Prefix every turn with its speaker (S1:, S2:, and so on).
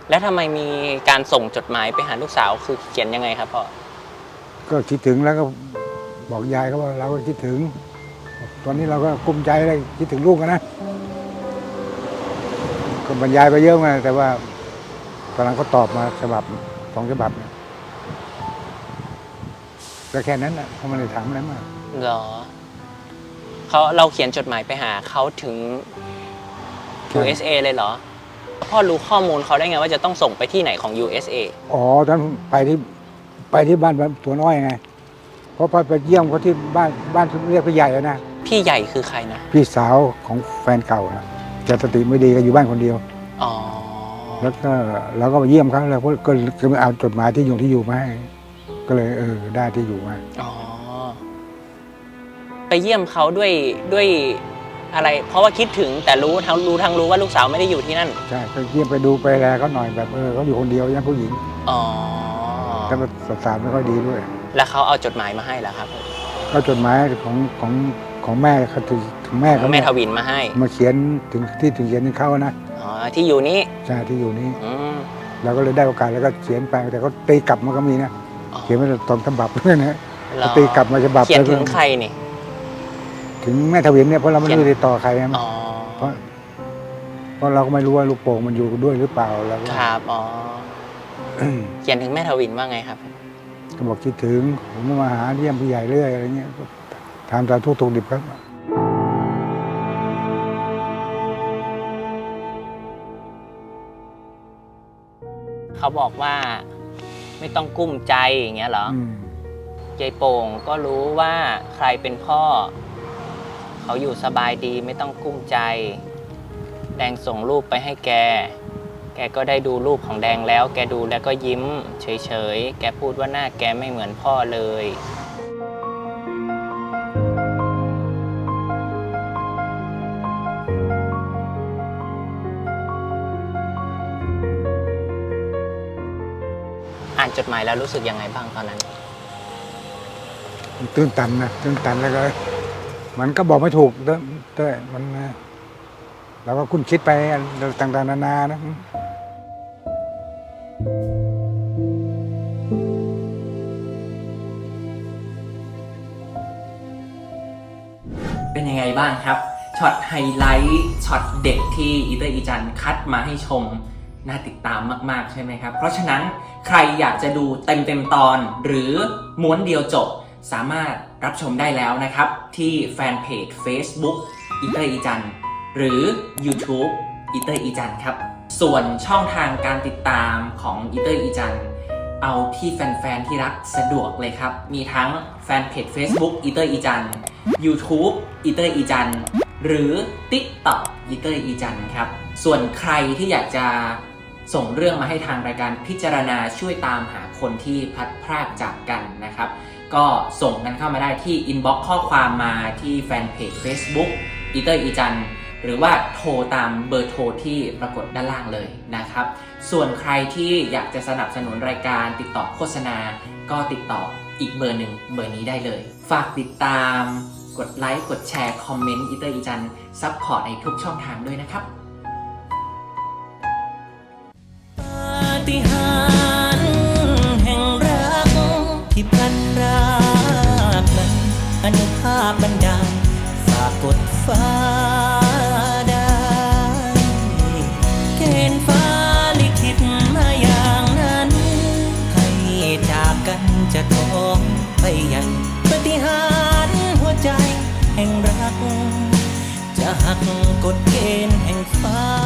S1: แล้วทำไมมีการส่งจดหมายไปหาลูกสาวคือเขียนยังไงครับพ่อ
S2: ก็คิดถึงแล้วก็บอกยายเขาว่าเราก็คิดถึงตอนนี้เราก็กุ้มใจเลยคิดถึงลูกนะก็บรรยายไปเยอะมาแต่ว่าตอนหลังก็ตอบมาฉบับ2 ฉบับก็แค่นั้นนะเขาไม่ได้ถามอะไรมาก
S1: เหรอเราเขียนจดหมายไปหาเขาถึง USA เลยเหรอพ่อรู้ข้อมูลเขาได้ไงว่าจะต้องส่งไปที่ไหนของ USA
S2: อ๋อตอนไปที่บ้านตัวน้อยไงเพราะไปเยี่ยมเขาที่บ้านเรียกพี่ใหญ่นะ
S1: พี่ใหญ่คือใครนะ
S2: พี่สาวของแฟนเก่านะแกสติไม่ดีก็อยู่บ้านคนเดียว
S1: อ๋อ
S2: แล้วก็เราก็มาเยี่ยมเขาแล้วก็เอาจดหมายที่อยู่มาให้ก็เลยได้ที่อยู่มา
S1: อ๋อไปเยี่ยมเขาด้วยอะไรเพราะว่าคิดถึงแต่รู้ว่าลูกสาวไม่ได้อยู่ที่นั่น
S2: ใช่ไปเยี่ยมไปดูไปแลเขาหน่อยแบบเขาอยู่คนเดียวยังผู้หญิง
S1: อ๋อ
S2: แล้วก็สารไม่ค่อยดีด้วย
S1: แล้วเขาเอาจดหมายมาให้เหรอครับ
S2: ก็จดหมายของแม่เขาถึงแม่เขา
S1: แม่ทวินมาให้
S2: มาเขียนถึงเขียนถึงเขานะ
S1: อ๋อที่อยู่นี้
S2: ใช่ที่อยู่นี้เราก็เลยได้โอกาสแล้วก็เขียนไปแต่เขาตีกลับมาก็มีนะเขียนมาตอนฉบับด้วยนะตีกลับมาฉบับ
S1: เขียนถึงใครนี่
S2: ถึงแม่ทวินเนี่ยเพราะเราไม่ได้ติดต่อใครนะเพราะเราก็ไม่รู้ว่าลูกโป่งมันอยู่ด้วยหรือเปล่าแล้ว
S1: ครับอ๋อเขียนถึงแม่ทวินว่าไงครับ
S2: ก็บอกคิดถึงผมมาหาเยี่ยมผู้ใหญ่เรื่อยอะไรเงี้ยถามทุกดิบครับ
S1: เขาบอกว่าไม่ต้องกุ้มใจอย่างเงี้ยเหรอยายโป่งก็รู้ว่าใครเป็นพ่อเขาอยู่สบายดีไม่ต้องกุ้มใจแดงส่งรูปไปให้แกก็ได้ดูรูปของแดงแล้วแกดูแล้วก็ยิ้มเฉยๆแกพูดว่าหน้าแกไม่เหมือนพ่อเลยอ่านจดหมายแล้วรู้สึกยังไงบ้างตอนนั้น
S2: ตื้นตันแล้วก็มันก็บอกไม่ถูกด้วยมันเราก็คุ้นคิดไปต่างๆนานานะ
S1: เป็นยังไงบ้างครับช็อตไฮไลท์ช็อตเด็กที่อีเตอร์อีจันคัดมาให้ชมน่าติดตามมากๆใช่ไหมครับเพราะฉะนั้นใครอยากจะดูเต็มตอนหรือม้วนเดียวจบสามารถรับชมได้แล้วนะครับที่แฟนเพจ Facebook อีเตอร์อีจันหรือ YouTube อีเตอร์อีจันครับส่วนช่องทางการติดตามของอีเตอร์อีจันเอาที่แฟนๆที่รักสะดวกเลยครับมีทั้งแฟนเพจ Facebook อีเตอร์อีจัน YouTube อีเตอร์อีจันหรือ TikTok อีเตอร์อีจันครับส่วนใครที่อยากจะส่งเรื่องมาให้ทางรายการพิจารณาช่วยตามหาคนที่พลัดพรากจากกันนะครับก็ส่งกันเข้ามาได้ที่อินบ็อกซ์ข้อความมาที่แฟนเพจ Facebook อีเตอร์อีจันหรือว่าโทรตามเบอร์โทรที่ปรากฏด้านล่างเลยนะครับส่วนใครที่อยากจะสนับสนุนรายการติดต่อโฆษณาก็ติดต่ออีกเบอร์หนึ่งเบอร์นี้ได้เลยฝากติดตามกดไลค์กดแชร์คอมเมนต์อีเตอร์อีจันซัพพอร์ตในทุกช่องทางด้วยนะครับปาฏิหาริย์แห่งรักที่พลันรากนั้นอนุภาพบันดาลฝากกดฟ้าได้เกณฑ์ฟ้าลิขิตมาอย่างนั้นให้จากกันจะท้องไปยังปาฏิหาริย์หัวใจแห่งรักจะหักกฎเกณฑ์แห่งฟ้า